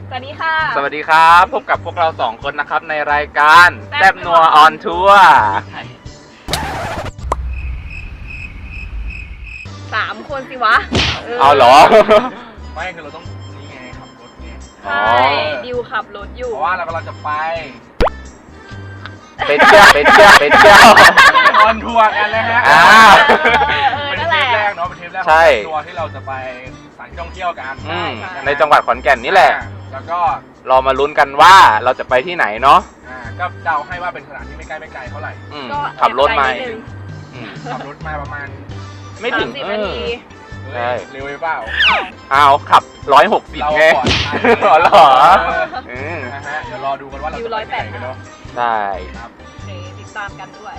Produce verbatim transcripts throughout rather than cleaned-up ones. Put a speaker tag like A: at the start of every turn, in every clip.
A: สวัสดีค่ะ
B: สวัสดีครับพบกับพวกเราสองคนนะครับในรายการแซ่บนัวออนทัวร์
A: สามคนสิวะ
B: เอาเหรอ
C: ไม่คือเราต้องนี่ไงขับรถไง
A: ใช่ดิวขับรถอยู่
C: เพราะว่าเรากำลังจะไป
B: ไปเที่ยวไปเที่ยวไปเที่ยว
C: ออนทัวร์กันเลยฮะเป็นเทปแรกเนาะเป็นเทปแรกของทัวร์ที่เราจะไปสถานที่ท่องเที่ยวกัน
B: ในจังหวัดขอนแก่นนี่แหละ
C: แล้วก็
B: เรามาลุ้นกันว่าเราจะไปที่ไหนเนาะ
C: ก็เดาให้ว่าเป็นสถานที่ไม่ใกล้ไม่ไกลเท่าไหร่
B: ขับรถมา
C: ขับรถมาประมาณ
B: ไม่ถึง
A: สิบนาที
C: ใช่เร็วไปเปล่า
B: อ้าวขับร้อยหกสิบไงหรอหรอ
C: นะฮะเดี๋ยวรอดูกันว่าเราจะไปที่ไหนกันเนาะ
B: ใช่
A: ครับติดตามกันด้วย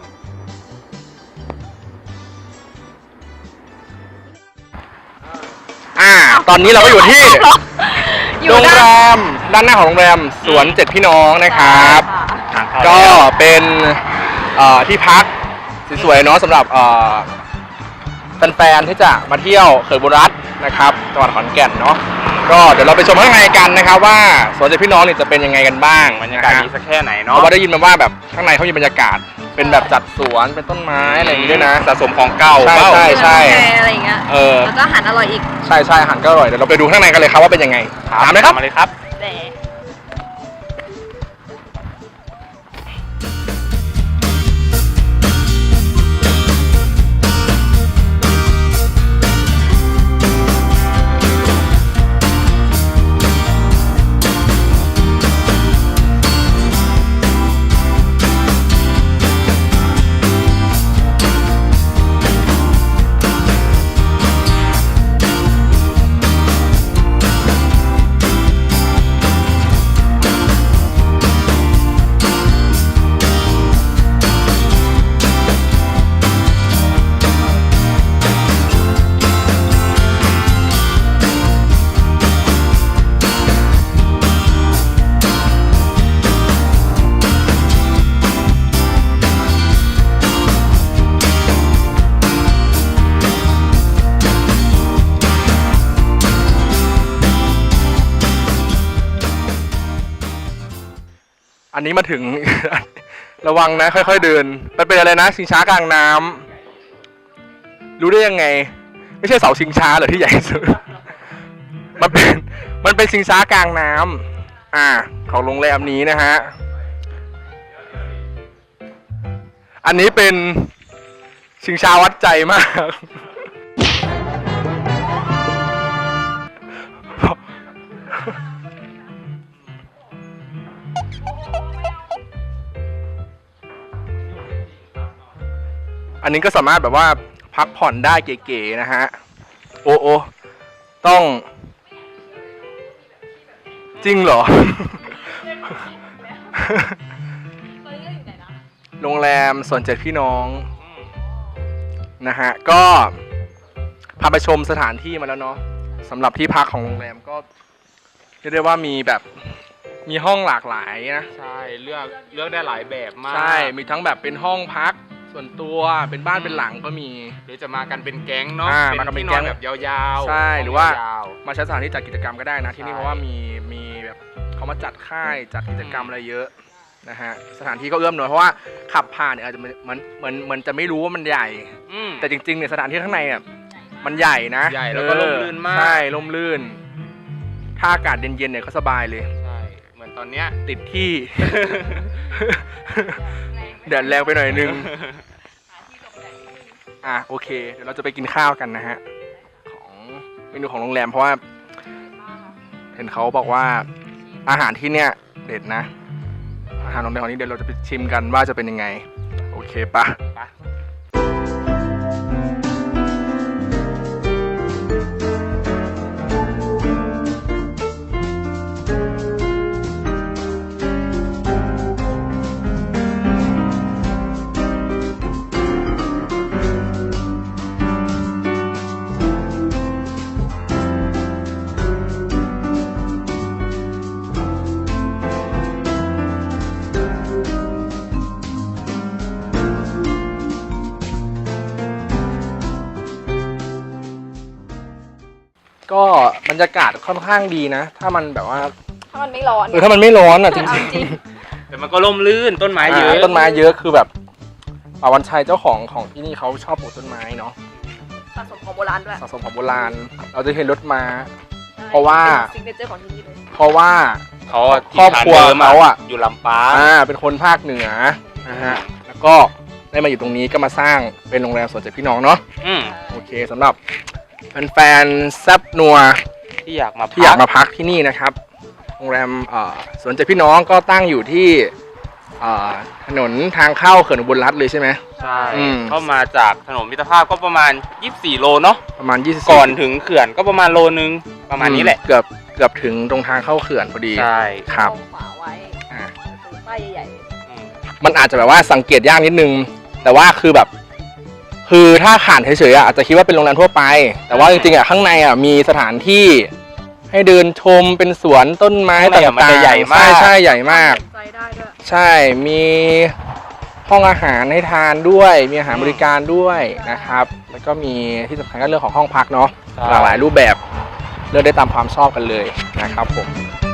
C: อ่าตอนนี้เราก็อยู่ที่โรงแรมด้านหน้าของโรงแรมสวนเจ็ดพี่น้องนะครับก็เป็นที่พักสวยๆเนาะสำหรับแฟนๆที่จะมาเที่ยวเขื่อนบุรัตน์นะครับจังหวัดขอนแก่นเนาะก็เดี๋ยวเราไปชมข้างในกันนะครับว่าสวนเจ็ดพี่น้องนี่จะเป็นยังไงกันบ้าง
B: บรรยากาศดีสักแค่ไหนเนาะ
C: เพราะว่าได้ยินมาว่าแบบข้างในเขามีบรรยากาศเป็นแบบจัดสวนเป็นต้นไม้อะไรอย่างนี้ด้วยนะ
B: สะสมของเก่า
C: ใช่ใช่ใช่
A: อะไรอย่างเงี้ย
C: เออ
A: แล้วก็อาหารอร่อยอีก
C: ใช่ใช่อาหารก็อร่อยเดี๋ยวเราไปดูข้างในกันเลยครับว่าเป็นยังไงตามเลยครับ
B: มาเลยครับ
C: อันนี้มาถึง ระวังนะค่อยๆเดินมันเป็นอะไรนะชิงช้ากลางน้ำรู้ได้ยังไงไม่ใช่เสาชิงช้าเหรอที่ใหญ่สุดมันเป็นมันเป็นชิงช้ากลางน้ำอ่าของโรงแรมนี้นะฮะอันนี้เป็นชิงช้าวัดใจมากอันนี้ก็สามารถแบบว่าพักผ่อนได้เก๋ๆนะฮะโอ้โอต้องจริงเหรอ โรงแรมสวนเจ็ดพี่น้องนะฮะก็พาไปชมสถานที่มาแล้วเนาะสำหรับที่พักของโรงแรมก็เรียกได้ว่ามีแบบมีห้องหลากหลายนะ
B: ใช่เลือกเลือกได้หลายแบบมาก
C: ใช่มีทั้งแบบเป็นห้องพักส่วนตัวเป็นบ้านเป็นหลังก็มี
B: หรือจะมากันเป็นแก๊งเนาะ
C: มากันเป็นแก๊ง
B: แบบยาว
C: ๆใช่หรือว่ามาใช้สถานที่จัดกิจกรรมก็ได้นะที่นี่เพราะว่ามีมีแบบเขามาจัดค่ายจัดกิจกรรมอะไรเยอะนะฮะสถานที่ก็เอื้อมหน่อยเพราะว่าขับผ่านเนี่ยอาจจะเหมือนเหมือนเหมือนจะไม่รู้ว่ามันใหญ่แต่จริงๆเนี่ยสถานที่ข้างในเนี่ยมันใหญ่นะ
B: ใหญ่แล้วก็ร่มรื่นมาก
C: ใช่ร่มรื่นถ้าอากาศเย็นๆเนี่ยก็สบายเลย
B: ใช่เหมือนตอนเนี้ย
C: ติดที่แดดแรงไปหน่อยนึงอ่ะโอเคเดี๋ยวเราจะไปกินข้าวกันนะฮะของเมนูของโรงแรมเพราะว่าเห็นเขาบอกว่าอาหารที่เนี่ยเด็ดนะอาหารโรงแรมของนี้เดี๋ยวเราจะไปชิมกันว่าจะเป็นยังไงโอเคปะบรรยากาศค่อนข้างดีนะ ถ้ามันแบบว่า
A: ถ้ามันไม่ร้อน
C: เออถ้ามันไม่ร้อนอ่ะจริง
A: จริง
B: แต่มันก็ร่มรื่นต้นไม้เยอะ
C: ต้นไม้เยอะคือแบบป่าวันชัยเจ้าของของที่นี่เขาชอบปลูกต้นไม้เนาะ
A: สะสมของโบราณด้วย
C: สะสมของโบราณ เราจะเห็นรถม้า เพราะว่า
A: ซิกเนเจอร์ของที่นี่เลย
C: เพราะว่า
B: เขา
C: ครอบครัวเขาอะ
B: อยู่ลำปาง
C: อ่าเป็นคนภาคเหนือนะฮะแล้วก็ได้มาอยู่ตรงนี้ก็มาสร้างเป็นโรงแรมสวนเจ็ดพี่น้องเนาะ
B: อืม
C: โอเคสำหรับแฟนๆแซบนัว
B: ที่อยากมา
C: ที่อยากมาพักที่นี่นะครับ โรงแรมเอ่อสวนเจ็ดพี่น้องก็ตั้งอยู่ที่เอ่อถนนทางเข้าเขื่อนอุบลรัตน์เลยใช่ไหม
B: ใช่
C: อืม
B: เข้ามาจากถนนมิตรภาพก็ประมาณยี่สิบสี่โลเนาะ
C: ประมาณยี่สิบ
B: ก่อนถึงเขื่อนก็ประมาณโลนึงประมาณนี้แหละ
C: เกือบเกือบถึงตรงทางเข้าเขื่อนพอดี
B: ใช่
C: ครับ
A: ตงขวาไว้
C: อ่า
A: ซื้อป้ายใหญ่ๆเลย
B: อืม
C: มันอาจจะแบบว่าสังเกตยากนิดนึง แต่ว่าคือแบบ คือถ้าผ่านเฉยๆอ่ะอาจจะคิดว่าเป็นโรงแรมทั่วไป แต่ว่าจริงๆอ่ะข้างในอ่ะมีสถานที่ให้เดินชมเป็นสวนต้นไม้
B: ข้างใน
C: ต่าง
B: อ่ะมันจะ
C: ๆ
B: ใหญ่มาก
C: ใช่ใช่ใหญ่มาก
A: ใจได้ด้วย
C: ใช่ มีห้องอาหารให้ทานด้วย มีอาหารบริการด้วยนะครับ แล้วก็มีที่สำคัญก็เรื่องของห้องพักเนาะ
B: ใช่
C: หลากหลายรูปแบบ เลือกได้ตามความชอบกันเลยนะครับผม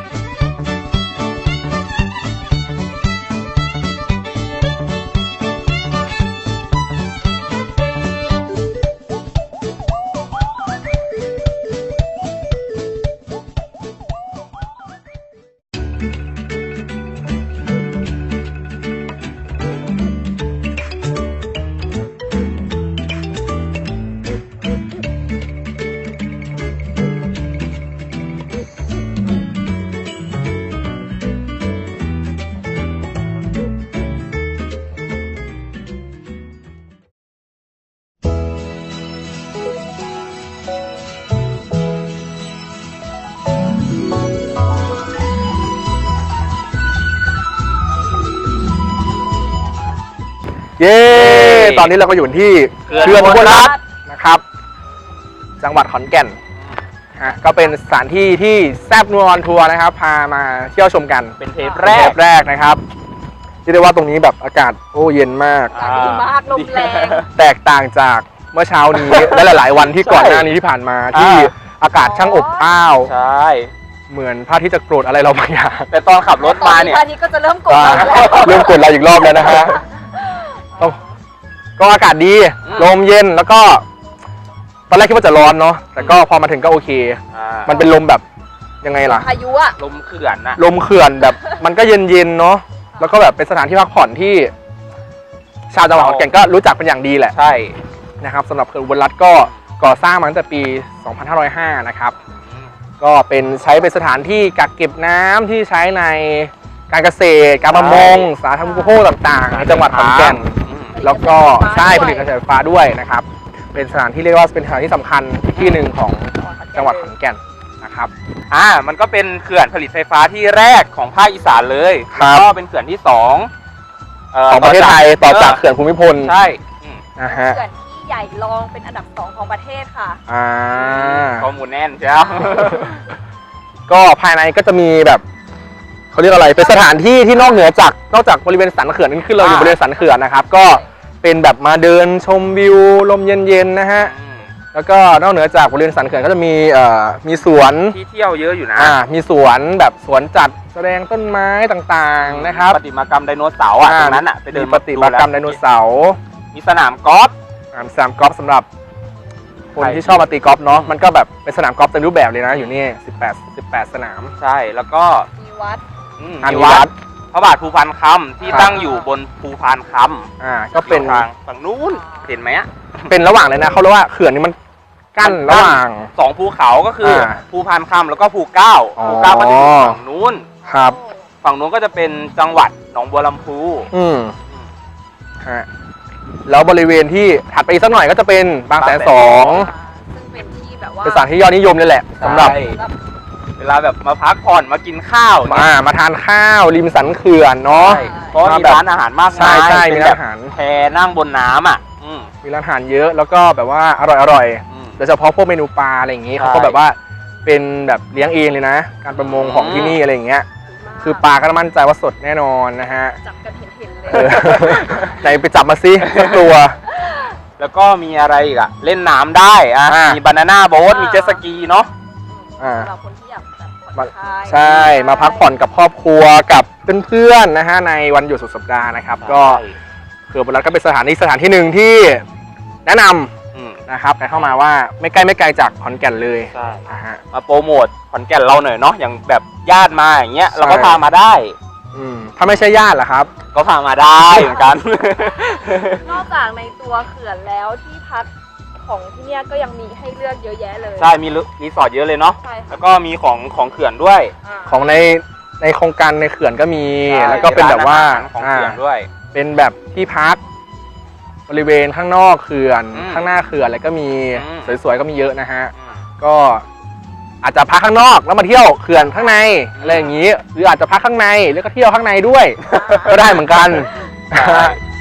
C: เย้ ตอนนี้เราก็อยู่ที่
B: เขื่อน
C: เขื่อนอุบลรัตน์
A: อุบลรัตน์
C: นะครับ จังหวัดขอนแก่นอ่ะก็เป็นสถานที่ที่แซบนัวออนทัวร์นะครับ พามาเที่ยวชมกัน
B: เป็นเทป
C: แร
B: แร
C: ก
B: ก
C: แรกนะครับที่ได้ว่าตรงนี้แบบอากาศโอ้เย็นมาก
A: อากาศดีมากลมแรง
C: แตกต่างจากเมื่อเช้านี้ และหลาย ๆ วันที่ก่อนหน้านี้ที่ผ่านมาที่อากาศช่างอบอ้าว
B: ใช่
C: เหมือนพระอาที่จะโกรธอะไรเราบางอย่าง
B: แต่ตอนขับรถมาเนี่ย
A: ตอนนี้ก็จะเริ่มกด
C: อ่า
A: แล้ว
C: เริ่มกดเราอีกรอบแล้วนะฮะก็ก็อากาศดี
B: อืม
C: ลมเย็นแล้วก็ตอนแรกคิดว่าจะร้อนเนาะแต่ก็พอมาถึงก็โอเค
B: อ่า
C: มันเป็นลมแบบยังไงล่ะ
A: พายุอะ
B: ลมเขื่อนนะ
C: ลมเขื่อนแบบมันก็เย็นๆเนาะแล้วก็แบบเป็นสถานที่พักผ่อนที่ ชาวจังหวัดขอนแก่นก็รู้จักเป็นอย่างดีแหละ
B: ใช่
C: นะครับสำหรับเขื่อนอุบลรัตน์ก็ก่อสร้างมาตั้งแต่ปี สองพันห้าร้อยห้า นะครับ ก็เป็นใช้เป็นสถานที่กักเก็บน้ำที่ใช้ในการเกษตร การประมง สาธารณูปโภคต่างๆในจังหวัดขอนแก่น
B: อืม
C: แล้วก็ใช่ผลิตกระแสไฟฟ้าด้วยนะครับ เป็นสถานที่เรียกว่าเป็นสถานที่สำคัญอีกที่หนึ่งของจังหวัดขอนแก่นนะครับ
B: อ่ามันก็เป็นเขื่อนผลิตไฟฟ้าที่แรกของภาคอีสานเลย
C: ครับ
B: แล้วก็เป็นเขื่อนที่สองเ
C: ของประเทศไทยต่อจากเขื่อนภูมิพล
B: ใช่อืม
C: นะฮะ
A: เขื่อนที่ใหญ่รองเป็นอันดับสองของประเทศค่ะ
C: อ่า
B: ข้อมูลแน่นใช่ไหม
C: ก็ภายในก็จะมีแบบเขาเรียกอะไรเป็นสถานที่ที่นอกเหนือจากนอกจากบริเวณสันเขื่อนนี่คือเราอยู่
B: อ่า
C: บริเวณสันเขื่อนนะครับ ก็เป็นแบบมาเดินชมวิวลมเย็นๆนะฮะ
B: อืม
C: แล้วก็นอกเหนือจากบริเวณสันเขื่อนก็จะมีเอ่อมีสวน
B: ที่เที่ยวเยอะอยู่นะ
C: อ่ามีสวนแบบสวนจัดแสดงต้นไม้ต่างๆนะครับ
B: ปฏิมากรรมไดโนเสาร์อ่ะตรงนั้นอ่ะไปเดิน
C: มีปฏิมากรรมไดโนเสาร์
B: มีสนามกอล์ฟ
C: อ่าสนามกอล์ฟสำหรับคน
B: ใคร
C: ที่ชอบมาตีกอล์ฟเนาะมันก็แบบเป็นสนามกอล์ฟเต็มรูปแบบเลยนะอยู่นี่สิบแปด สิบแปดสนาม
B: ใช่แล้วก็
A: มีวัด
B: อืม
C: อ่ามี
B: มี
C: วั
B: วั
C: ด
B: ดพระบาทภูพานคำที่
C: ครับ
B: ตั้งอยู่บนภูพานคำ
C: อ่าก็เป็น
B: ทางฝั่งนู้นเห็นไหมอ่ะ
C: เป็นระหว่างเลยนะเขาเรียกว่าเขื่อนนี้มันกั้นระหว่าง
B: สองภูเขาก็คืออา ภูพานคำแล้วก็ภูเก้า
C: อ๋อ
B: ภูเก้าก็จะอยู่ฝั่งนู้น
C: ครับ
B: ฝั่งนู้นก็จะเป็นจังหวัดหนองบัวลำพู
C: อืมฮะแล้วบริเวณที่ถัดไปอีกสักหน่อยก็จะเป็นบางแสนสอง
A: ซึ่งเป็นที่แบบว่า
C: เป็นสถานที่ยอดนิยมเลยแหละสำหรับ
B: ใช่เวลาแบบมาพักผ่อนมากินข้าว
C: มา มาทานข้าวริมสันเขื่อนเนาะ
B: ใช่เพราะว่ามีร้านอาหารมาก
C: ใช่
B: มาย
C: ใช่
B: เป็
C: มี
B: น
C: ร้าน
B: แบบ
C: อาหาร
B: แพนั่งบนน้ำอ่ะอืม
C: มีร้านอาหารเยอะแล้วก็แบบว่าอร่อยอร่อย
B: อืม
C: โดยเฉพาะพวกเมนูปลาอะไรอย่างงี้
B: ใช่
C: เขาก็แบบว่าเป็นแบบเลี้ยงเองเลยนะ การประมงของที่นี่อะไรอย่างเงี้ยคือปลาก็มั่นใจว่าสดแน่นอนนะฮะ
A: จับกันเห็นๆเลย
C: เออ ไหนไปจับมาสิสักตัว
B: แล้วก็มีอะไรอีกอะเล่นน้ำได้อะ
C: อ่ามี
B: มีบานาน่าโบ๊ทมีเจ็ตสกีเนาะ
C: อ่า
A: สำหรับคนที่อยากแบบผ่อน
C: มา
A: คลาย
C: ใช่มาพักผ่อนกับครอบครัวกับเพื่อนๆนะฮะในวันหยุดสุดสัปดาห์นะครับ ก็เขื่อนบุรีรัมย์ก็เป็นสถานที่สถานที่หนึ่งที่แนะนำ
B: อืม
C: นะครับไปเข้ามาว่าไม่ใกล้ไม่ไกลจากขอนแก่นเลย
B: ใช่
C: นะฮะ
B: มาโปรโมทขอนแก่นเราหน่อยเนาะอย่างแบบญาติมาอย่างเงี้ย
C: ใช่
B: เราก็พามาได้
C: อืมถ้าไม่ใช่ญาติล่ะครับ
B: ก็พามาได้เหมือนกัน
A: นอกจากในตัวเขื่อนแล้วที่พักของที่เนี่ยก็ยังมีให้เลือกเยอะแยะเลย
B: ใช่มีรีสอร์ทเยอะเลยเนาะ
A: ใช่ค่ะ
B: แล้วก็มีของของเขื่อนด้วย
A: อ่า
C: ของในในโครงการในเขื่อนก็มี
B: ใช่
C: แล้วก็เป็นแบบว่า
B: ร้นอหรของเขื่อนด้วย
C: อ่าเป็นแบบที่พักบริเวณข้างนอกเขื่อน
B: อืม
C: ข้างหน้าเขื่อนอะไรก็มี
B: อืม
C: สวยๆก็มีเยอะนะฮะ
B: อืม
C: ก็อาจจะพักข้างนอกแล้วมาเที่ยวเขื่อนข้างใน
B: อืม
C: อะไรอย่างนี้ หรืออาจจะพักข้างในแล้วก็เที่ยวข้างในด้วย ก็ได้เหมือนกัน
B: ใช่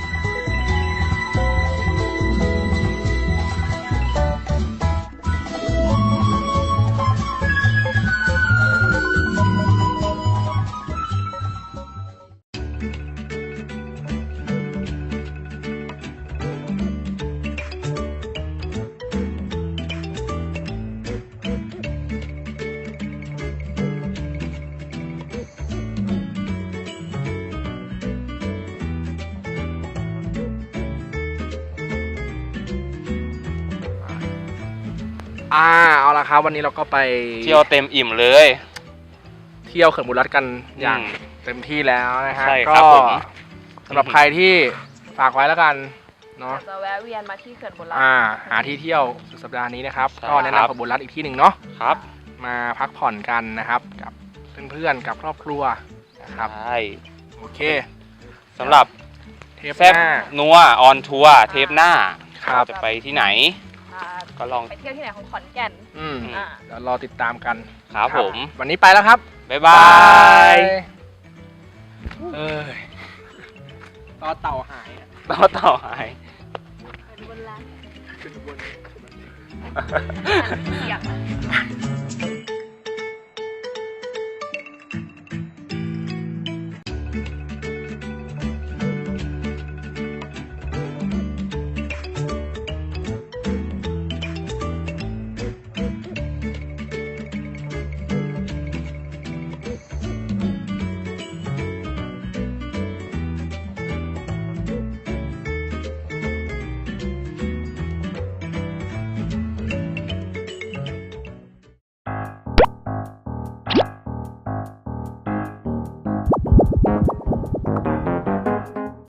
C: อ่าเอาละครับวันนี้เราก็ไป
B: เที่ยวเต็มอิ่มเลย
C: เที่ยวเขื่อนบุรีรัมย์กันอย่าง
B: อืม
C: เต็มที่แล้วนะฮะ
B: ใช่
C: ก็
B: ครับผม
C: สำหรับใครที่ฝากไว้แล้วกันเนาะ
A: จะแวะเวียนมาที่เขื่อนบุรีรัม
C: อ่า
A: ย์
C: หาที่เที่ยวสุดสัปดาห์นี้นะครับ
B: ใช่
C: ก็แนะนำเขื่อนบุรีรัมย์อีกที่หนึ่งเนาะ
B: ครับ
C: มาพักผ่อนกันนะครับ กับเพื่อนๆกับครอบครัวนะครับ
B: ใช่
C: โอเค
B: สำหรับ
C: เทป
B: แซ่
C: ห
B: บ
C: น้า
B: นัวออนทัวร์เทปหน้า
C: ครับ
B: เราจะไปที่ไหน
A: อ่า
B: ก็ลอง
A: ไปเที่ยวที่ไหนของขอนแก่น
C: อืม
A: อ่า
C: เดี๋ยวรอติดตามกัน
B: ครับผม
C: วันนี้ไปแล้วครับ
B: บ๊ายบาย
C: เอ้ยต่อเต่าหายอะ
B: ต่อต่อหาย
A: เป็นบนร้าน
C: ขึ้นบน
A: เสียง